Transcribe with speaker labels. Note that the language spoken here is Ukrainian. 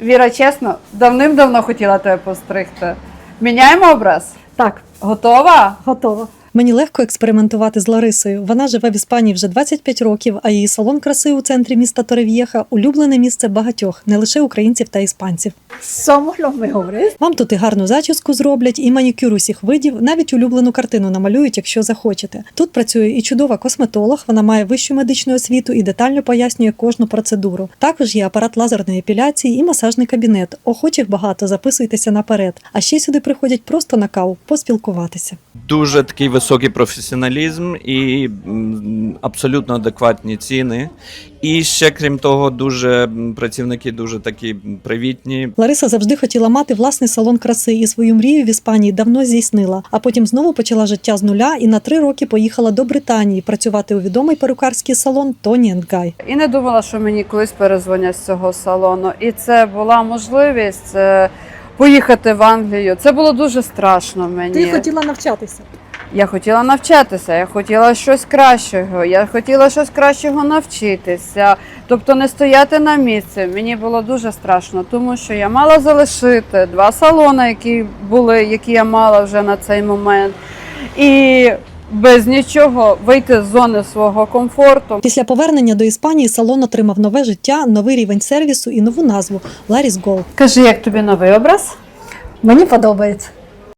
Speaker 1: Віра, чесно, давним-давно хотіла тебе постригти. Міняємо образ?
Speaker 2: Так,
Speaker 1: Готова?
Speaker 2: готово.
Speaker 3: Мені легко експериментувати з Ларисою. Вона живе в Іспанії вже 25 років, а її салон краси у центрі міста Торрев'єха – улюблене місце багатьох, не лише українців та іспанців.
Speaker 2: Somos los mejores.
Speaker 3: Вам тут і гарну зачіску зроблять, і манікюр усіх видів, навіть улюблену картину намалюють, якщо захочете. Тут працює і чудова косметолог, вона має вищу медичну освіту і детально пояснює кожну процедуру. Також є апарат лазерної епіляції і масажний кабінет. Охочих багато, записуйтеся наперед. А ще сюди приходять просто на каву, поспілкуватися.
Speaker 4: Дуже такий високий професіоналізм і абсолютно адекватні ціни. І ще, крім того, працівники дуже такі привітні.
Speaker 3: Лариса завжди хотіла мати власний салон краси і свою мрію в Іспанії давно здійснила, а потім знову почала життя з нуля і на 3 роки поїхала до Британії працювати у відомий перукарський салон Тоні & Гай.
Speaker 1: І не думала, що мені колись перезвонять з цього салону. І це була можливість поїхати в Англію. Це було дуже страшно мені.
Speaker 2: Ти хотіла навчатися.
Speaker 1: Я хотіла навчатися, я хотіла щось кращого, я хотіла щось кращого навчитися, тобто не стояти на місці. Мені було дуже страшно, тому що я мала залишити 2 салони, які я мала вже на цей момент, і без нічого вийти з зони свого комфорту.
Speaker 3: Після повернення до Іспанії салон отримав нове життя, новий рівень сервісу і нову назву – Larry's Gold.
Speaker 1: Кажи, як тобі новий образ?
Speaker 2: Мені подобається.